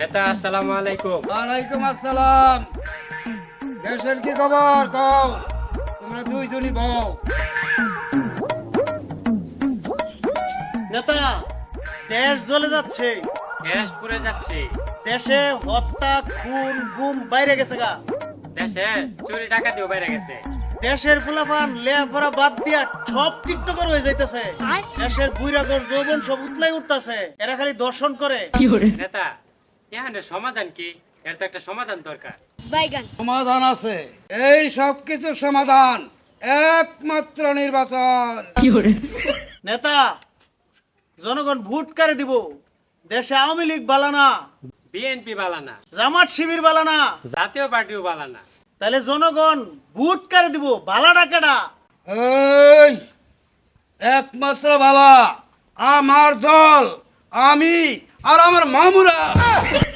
নেতা আসসালামু আলাইকুম। ওয়ালাইকুম আসসালাম। দেশের কি খবর কও? তোমরা দুইজনই বউ। নেতা, দেশ জ্বলে যাচ্ছে, গ্যাস পুড়ে যাচ্ছে, দেশে হত্যা খুন গুম বাইরে গেছে গা। দেশে চুরি ডাকাতিও বেড়ে গেছে। দেশের ফুলাফান লেখাপড়া বাদ দিয়া সব টিকটকার হয়ে যাইতেছে। দেশের বুইরাগর যৌবন সব উতলাই উঠতেছে, এরা খালি দর্শন করে। নেতা এখানে সমাধান কি? এর তো একটা সমাধান দরকার। বাইগান সমাধান আছে, এই সব কিছুর সমাধান একমাত্র নির্বাচন। নেতা, জনগণ ভোট কারে দিব? দেশে আওয়ামী লীগ বালানা, বিএনপি বালানা, জামাত শিবির বালানা, জাতীয় পার্টিও বালানা। তাহলে জনগণ ভোট কারে দিব? বালা ডাকেডা এই একমাত্র বালা আমার দল, আমি আর আমার মামুরা।